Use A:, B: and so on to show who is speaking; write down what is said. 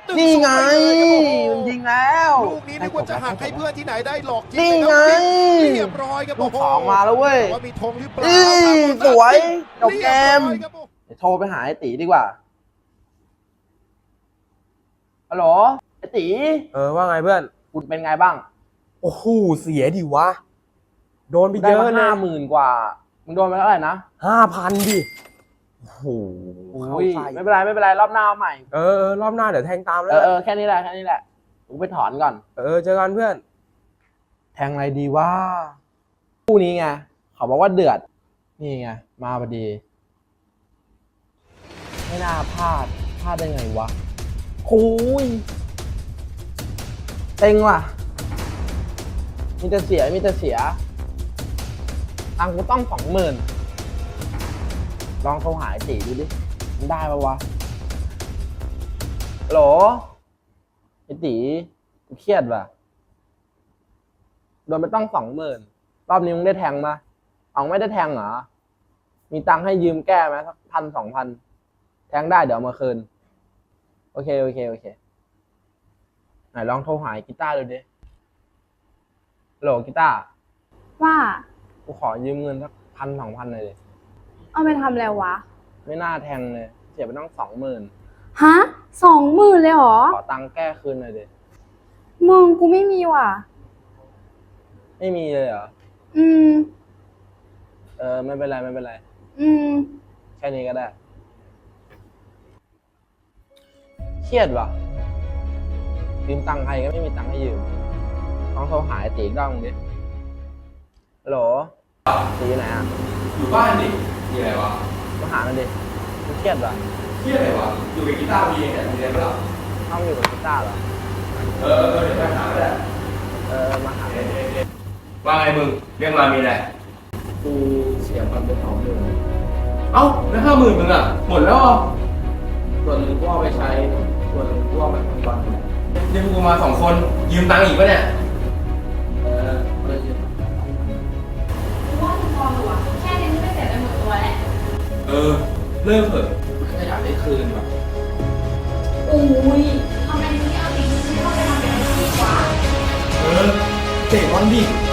A: นี่ไงมันยิงแล้ว
B: ลูกนี้นึกว่าจะหักให้เพื่อนที่ไหนได้หลอกยิง
A: นี่ไง
B: เรียบร้อยครับ
A: ลูกสองมาแล้วเว้ย
B: ว่ามีธงหรือเปล่า
A: สวยจบเกม
B: รียบร้อยครับ
A: เดี๋ยวโทรไปหาไอ้ตีดีกว่าฮัลโหลไอ้ตี
C: ว่าไงเพื่อน
A: คุณเป็นไงบ้าง
C: โอ้โหเสียดิวะโดนไป
A: ได้
C: เยอะ
A: มา
C: เลย
A: 50,000 กว่ามึงโดนไปเท่าไหร่นะ
C: 5,000ดิโอ้โหเข้า
A: อุ้ย
C: ใส่
A: ไม่เป็นไรไม่เป็นไรรอบหน้าเอาใหม่
C: รอบหน้าเดี๋ยวแทงตามแล้ว
A: แค่นี้แหละแค่นี้แหละกูไปถอนก่อน
C: เจอกันเพื่อน
A: แทงอะไรดีว่าคู่นี้ไงเขาบอกว่าเดือดนี่ไงมาพอดี ไม่น่าพลาดได้ไงวะคุยเต็งว่ะมีแต่เสียตังค์กูต้อง20,000ลองโทรหาไอ้ตีดูดิมันได้ปะวะฮัลโหลไอ้ตีกูเครียดว่ะโดนไปต้อง20,000รอบนี้มึงได้แทงมาเอาไม่ได้แทงเหรอมีตังค์ให้ยืมแก้ไหมสัก1,000-2,000แทงได้เดี๋ยวเอามาคืนโอเคไหนลองโทรหากีตาร์ดูดิฮัลโหลกีตาร์
D: ว่า
A: กูขอยืมเงินสัก1,000-2,000เลยดิ
D: เอาไปทำอะไรวะ
A: ไม่น่าแทงเลยเสียไปต้อง20,000
D: ฮะ20,000เลยเหรอ
A: ขอตังค์แก้คืนหน่อยดิ
D: มึงกูไม่มีว่ะ
A: ไม่มีเลยเหรอ
D: อืม
A: ไม่เป็นไร
D: อืม
A: แค่นี้ก็ได้เครียดว่ะยืมตังค์ใครก็ไม่มีตังค์ให้ยืมต้องโทรหาไอ้ตีอีกรอบนึงดิฮัลโหลตีอยู่ไหนอ่ะ
E: อยู่บ้านดิมีอะไรวะ
A: มาหามันดิกูเครียดว่ะ
E: เที่ยอะไรวะ อยู่กับกีตาร์มีเนี่ยมีอะไรเปล่า
A: ต้องอยู่กับกีตาร์เหรอ
E: เดี๋ยวไปหาก็ได้
A: มาหา
E: ว่าไงมึง เรื่องมามีอะไร
A: กูเสียมันไป20,000
E: เอ้า แล้ว50,000มึงอ่ะ หมดแล้วเหรอ
A: ส่วนหนึ่งกูเอาไปใช้ส่วนหนึ่งกูเอาไปทำบอล
E: เรียกกูมา2 คน ยืมตังค์อีกปะเนี่ย
A: ไม่ได้ยืม
D: ว่ามึงพอหรอวะแค่นี้ไม่เสียไปหมดตัวแล้ว
E: เลิกเถอะ
A: แค่อยากได้คืนว่ะ
D: อุ้ยทำไมมึงไม่เอาจริงไม่เข้าไปทำเป็นอาชีพวะ
E: เตะบอลดิ